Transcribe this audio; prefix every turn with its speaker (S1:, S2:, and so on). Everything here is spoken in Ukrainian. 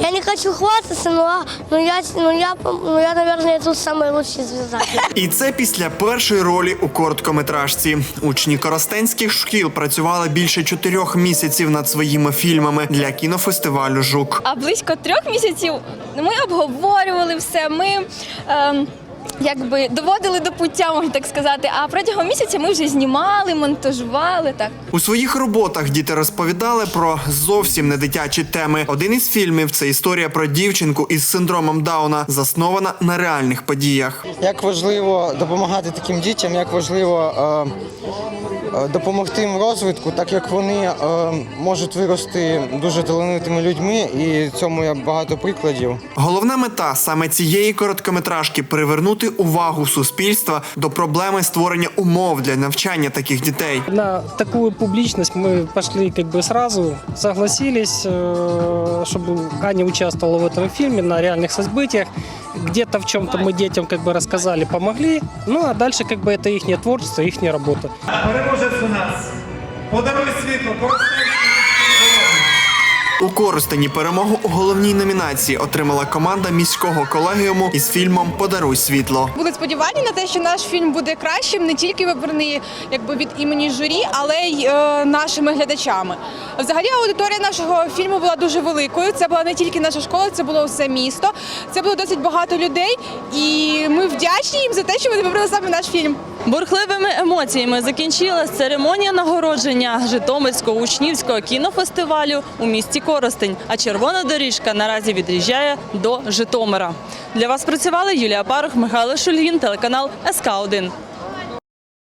S1: Я не хочу хвастаться, я, наверное, тут самый лучший звезда.
S2: І це після першої ролі у короткометражці. Учні коростенських шкіл працювали більше 4 місяців над своїми фільмами для кінофестивалю «Жук».
S3: А близько 3 місяців ми обговорювали все, ми доводили до пуття, можна так сказати. А протягом місяця ми вже знімали, монтажували. Так.
S2: У своїх роботах діти розповідали про зовсім не дитячі теми. Один із фільмів – це історія про дівчинку із синдромом Дауна, заснована на реальних подіях.
S4: Як важливо допомагати таким дітям, як важливо допомогти їм в розвитку, так як вони можуть вирости дуже талановитими людьми, і цьому є багато прикладів.
S2: Головна мета саме цієї короткометражки – привернути увагу суспільства до проблеми створення умов для навчання таких дітей.
S5: На таку публічність ми пішли сразу, согласились, щоб Аня участвовала в этом фильме на реальных событиях. Где-то в чем-то мы детям рассказали, помогли. Ну а дальше это их творчество, их работа.
S6: Переможець у нас. Подаруй світло, Коростенський.
S2: У Коростені перемогу у головній номінації отримала команда міського колегіуму із фільмом «Подаруй світло».
S7: Були сподівання на те, що наш фільм буде кращим, не тільки вибраний від імені журі, але й нашими глядачами. Взагалі аудиторія нашого фільму була дуже великою. Це була не тільки наша школа, це було все місто. Це було досить багато людей, і ми вдячні їм за те, що вони вибрали саме наш фільм.
S8: Бурхливими емоціями закінчилась церемонія нагородження Житомирського учнівського кінофестивалю у місті Коростень, а червона доріжка наразі від'їжджає до Житомира. Для вас працювали Юлія Парух, Михайло Шульгін, телеканал СК1.